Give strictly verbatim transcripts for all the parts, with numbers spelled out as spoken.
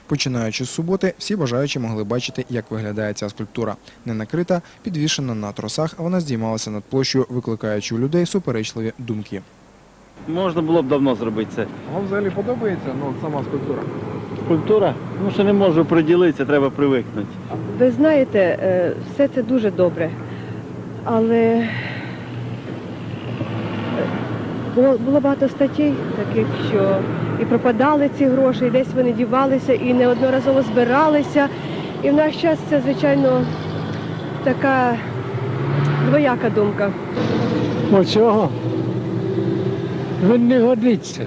Починаючи з суботи, всі бажаючі могли бачити, як виглядає ця скульптура. Не накрита, підвішена на тросах, а вона здіймалася над площею, викликаючи у людей суперечливі думки. Можна було б давно зробити це. Вам взагалі подобається ну, сама скульптура? Культура? Ну, що не можу приділитися, треба привикнути. Ви знаєте, все це дуже добре, але було, було багато статей таких, що і пропадали ці гроші, і десь вони дівалися, і неодноразово збиралися. І в наш час це, звичайно, така двояка думка. Оцього він не годиться.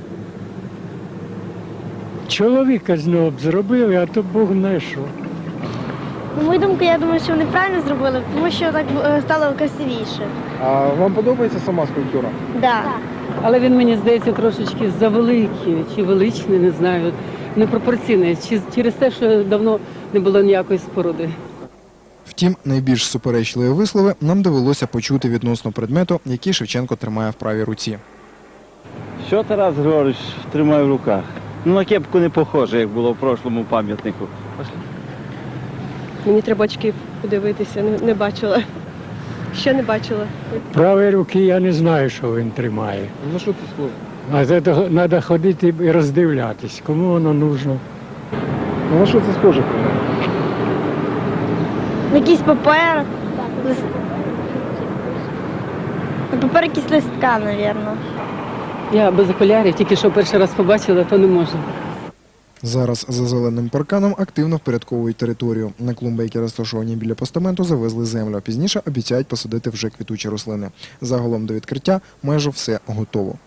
Чоловіка з нього б зробили, а то Бог знає що. На мою думку, я думаю, що вони правильно зробили, тому що так е, стало красивіше. А вам подобається сама скульптура? Да. Але він, мені здається, трошечки завеликий чи величний, не знаю, непропорційний. Чи через те, що давно не було ніякої споруди. Втім, найбільш суперечливі вислови нам довелося почути відносно предмету, який Шевченко тримає в правій руці. Що Тарас Григорович тримає в руках? Ну, на кепку не похоже, як було в прошлому пам'ятнику. Мені треба очки подивитися, не, не бачила. Ще не бачила. Правої руки я не знаю, що він тримає. Ну що це схоже? А це треба ходити і роздивлятись, кому воно нужно. Ну на що це схоже? Якийсь папер. Лист... Папер якийсь листка, мабуть. Я без окулярів, тільки що перший раз побачила, то не можу. Зараз за зеленим парканом активно впорядковують територію. На клумби, які розташовані біля постаменту, завезли землю. Пізніше обіцяють посадити вже квітучі рослини. Загалом до відкриття майже все готово.